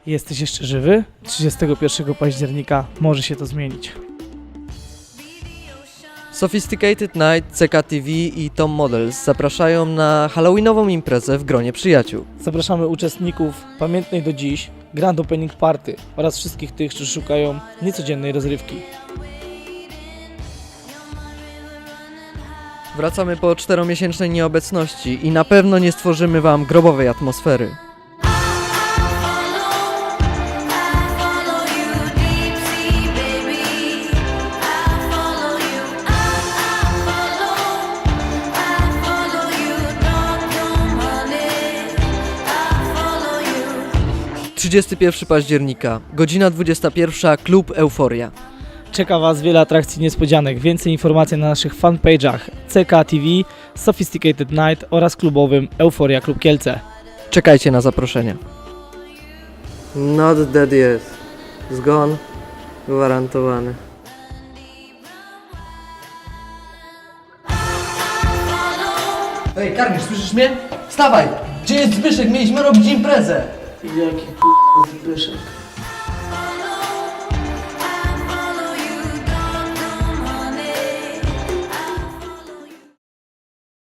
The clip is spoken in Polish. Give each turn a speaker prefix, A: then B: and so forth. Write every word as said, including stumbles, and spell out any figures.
A: Jesteś jeszcze żywy? trzydziestego pierwszego października może się to zmienić.
B: Sophisticated Night, C K T V i Tom Models zapraszają na halloweenową imprezę w gronie przyjaciół.
A: Zapraszamy uczestników pamiętnej do dziś Grand Opening Party oraz wszystkich tych, którzy szukają niecodziennej rozrywki.
B: Wracamy po czteromiesięcznej nieobecności i na pewno nie stworzymy wam grobowej atmosfery. trzydziestego pierwszego października, godzina dwudziesta pierwsza, klub Euforia.
A: Czeka Was wiele atrakcji niespodzianek. Więcej informacji na naszych fanpage'ach C K T V, Sophisticated Night oraz klubowym Euforia Klub Kielce.
B: Czekajcie na zaproszenia. Not dead yet. Zgon gwarantowany. Ej, Karmisz, słyszysz mnie? Wstawaj! Gdzie jest Zbyszek? Mieliśmy robić imprezę!
A: Jaki k***a Zbyszek?